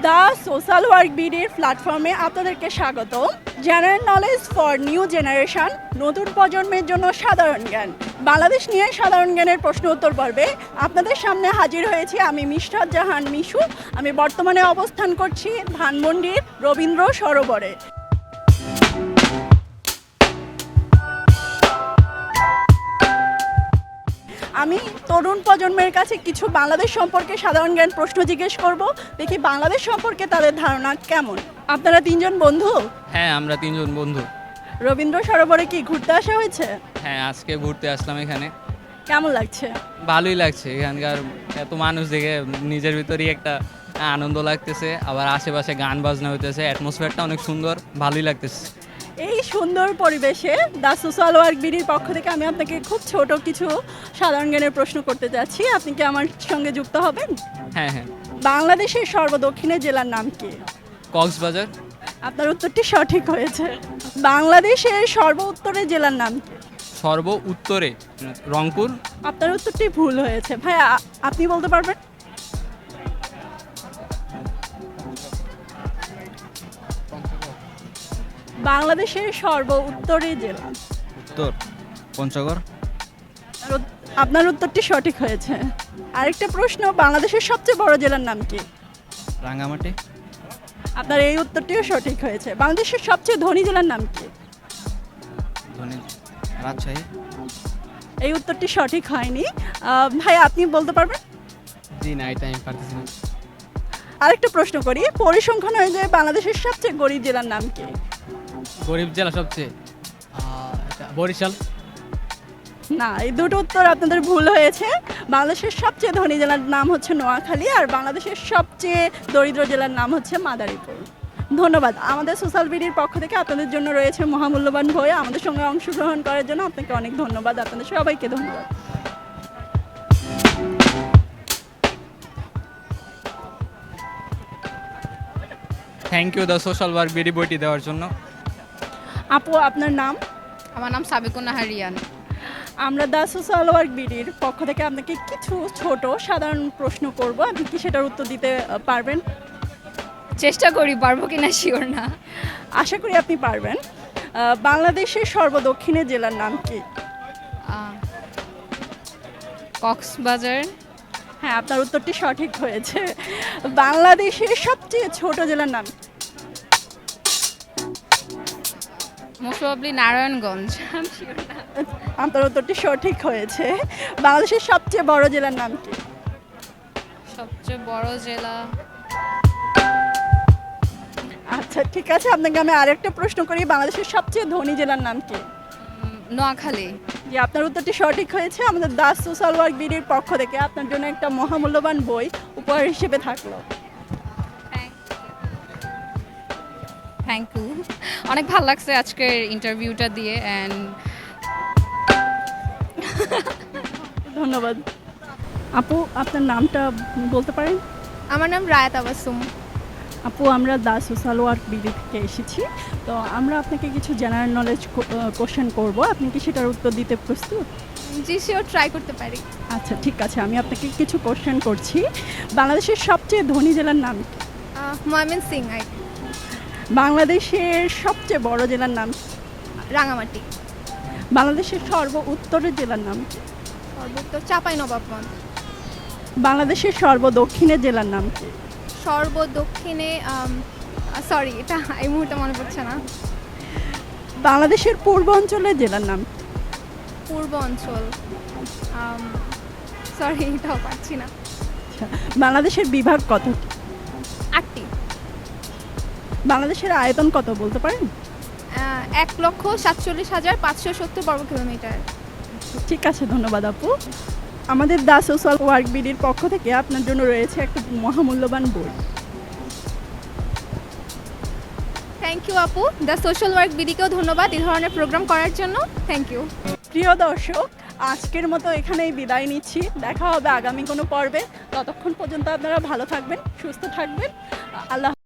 The social work বিডির প্ল্যাটফর্মে আপনাদেরকে স্বাগত। General knowledge for new generation, নতুন প্রজন্মের জন্য সাধারণ জ্ঞান। বাংলাদেশ নিয়ে সাধারণ জ্ঞানের প্রশ্ন উত্তর পর্বে আপনাদের সামনে হাজির হয়েছি আমি মিশরাত জাহান মিশু। আমি বর্তমানে অবস্থান করছি ধানমন্ডির রবীন্দ্র সরোবরে। আমি তরুণ প্রজন্মের কাছে কিছু বাংলাদেশ সম্পর্কে সাধারণ জ্ঞান প্রশ্ন জিজ্ঞেস করব, দেখি বাংলাদেশ সম্পর্কে তাদের ধারণা কেমন। আপনারা তিনজন বন্ধু? হ্যাঁ, আমরা তিনজন বন্ধু। রবীন্দ্র সরোবরে কি ঘুরতে আসা হয়েছে? হ্যাঁ, আজকে ঘুরতে আসলাম এখানে। কেমন লাগছে? ভালোই লাগছে, এখানকার এত মানুষ দেখে নিজের ভিতরেই একটা আনন্দ লাগতেছে, আবার আশেপাশে গান বাজনা হইতেছে, অ্যাটমসফিয়ারটা অনেক সুন্দর, ভালোই লাগতেছে। এই সুন্দর পরিবেশে দ্য সোশ্যাল ওয়ার্ক বিডির পক্ষ থেকে আমি আপনাকে খুব ছোট কিছু সাধারণ জ্ঞানের প্রশ্ন করতে যাচ্ছি, আপনি কি আমার সঙ্গে যুক্ত হবেন? হ্যাঁ হ্যাঁ। বাংলাদেশের সর্বদক্ষিণে জেলার নাম কি? কক্সবাজার। আপনার উত্তরটি সঠিক হয়েছে। বাংলাদেশের সর্ব উত্তরের জেলার নাম কি? সর্ব উত্তরে রংপুর। আপনার উত্তরটি ভুল হয়েছে। ভাই আপনি বলতে পারবেন? বাংলাদেশের সর্ব উত্তরের জেলা। উত্তর পঞ্চগড়। আপনার উত্তরটি সঠিক হয়েছে। আরেকটা প্রশ্ন, বাংলাদেশের সবচেয়ে বড় জেলার নাম কি? রাঙ্গামাটি। আপনার এই উত্তরটিও সঠিক হয়েছে। বাংলাদেশের সবচেয়ে ধনী জেলার নাম কি? রাজশাহী। এই উত্তরটি সঠিক হয়নি। ভাই আপনি বলতে পারবেন? জি না, এটা আমি পারতেছি না। আরেকটা প্রশ্ন করি, পরিসংখ্যান অনুযায়ী বাংলাদেশের সবচেয়ে গরিব জেলার নাম কি? গরিব জেলা সবচেয়ে বরিশাল। না, এই দুটো উত্তর আপনাদের ভুল হয়েছে। বাংলাদেশের সবচেয়ে ধনী জেলার নাম হচ্ছে নোয়াখালী, আর বাংলাদেশের সবচেয়ে দরিদ্র জেলার নাম হচ্ছে মাদারীপুর। ধন্যবাদ। আমাদের সোশ্যাল বিডির পক্ষ থেকে আপনাদের জন্য রয়েছে মহামূল্যবান বই। আমাদের সঙ্গে অংশগ্রহণ করার জন্য আপনাকে অনেক ধন্যবাদ। আপনাদের সবাইকে ধন্যবাদ। Thank you the social work BD বইটি দেওয়ার জন্য। আপু, আপনার নাম? আমার নাম সাবিকুন নাহার রিয়ান। আমরা দ্য সোশ্যাল ওয়ার্ক বিডির পক্ষ থেকে আপনাকে কিছু ছোট সাধারণ প্রশ্ন করব, আপনি কি সেটার উত্তর দিতে পারবেন? চেষ্টা করি, পারবো কিনা শিওর না। আশা করি আপনি পারবেন। বাংলাদেশের সর্বদক্ষিণে জেলার নাম কি? কক্সবাজার। হ্যাঁ, আপনার উত্তরটি সঠিক হয়েছে। বাংলাদেশের সবচেয়ে ছোট জেলার নাম কি? Most probably Narayanganj. আমি শিওর না। আপনার উত্তরটি সঠিক হয়েছে। বাংলাদেশের সবচেয়ে বড় জেলার নাম কি? সবচেয়ে বড় জেলা আচ্ছা ঠিক আছে, আপনাকে আমি আরেকটা প্রশ্ন করি, বাংলাদেশের সবচেয়ে ধনী জেলার নাম কি? নোয়াখালী। যে আপনার উত্তরটি সঠিক হয়েছে। আমাদের দ্য সোশ্যাল ওয়ার্ক বিডির পক্ষ থেকে আপনার জন্য একটা মহামূল্যবান বই উপহার হিসেবে থাকলো। Thank you. অনেক ভালো লাগছে আজকের ইন্টারভিউটা দিয়ে অ্যান্ড ধন্যবাদ। আপু, আপনার নামটা বলতে পারেন? আমার নাম রায়াত আবাসুম। আপু, আমরা দ্য সোশ্যাল ওয়ার্ক বিডি থেকে এসেছি, তো আমরা আপনাকে কিছু জেনারেল নলেজ কোশ্চেন করব, আপনি কি সেটার উত্তর দিতে প্রস্তুত? জি শিওর, ট্রাই করতে পারি। আচ্ছা ঠিক আছে, আমি আপনাকে কিছু কোশ্চেন করছি। বাংলাদেশের সবচেয়ে ধনী জেলার নাম কি? ময়মনসিং। বাংলাদেশের সবচেয়ে বড় জেলার নাম কি? রাঙামাটি। বাংলাদেশের সর্ব উত্তরের জেলার নাম কি? সর্বোত্তর চাঁপাইনবাবগঞ্জ। বাংলাদেশের সর্বদক্ষিণের জেলার নাম কি? সর্বদক্ষিণে সরি, এটা এই মুহূর্তে মনে পড়ছে না। বাংলাদেশের পূর্ব অঞ্চলের জেলার নাম কি? পূর্ব অঞ্চল সরি, এটাও পাচ্ছি না। আচ্ছা, বাংলাদেশের বিভাগ কত? 8টি। বাংলাদেশের আয়তন কত বলতে পারেন? 1,47,570 বর্গ কিলোমিটার। ঠিক আছে, ধন্যবাদ আপু। আমাদের দ্য সোশ্যাল ওয়ার্ক বিডির পক্ষ থেকে আপনার জন্য রয়েছে একটা মহামূল্যবান বই। থ্যাংক ইউ আপু। দ্য সোশ্যাল ওয়ার্ক বিডিকেও ধন্যবাদ এই ধরনের প্রোগ্রাম করার জন্য। Thank you. প্রিয় দর্শক, আজকের মতো এখানেই বিদায় নিচ্ছি। দেখা হবে আগামী কোনো পর্বে। ততক্ষণ পর্যন্ত আপনারা ভালো থাকবেন, সুস্থ থাকবেন। আল্লাহ।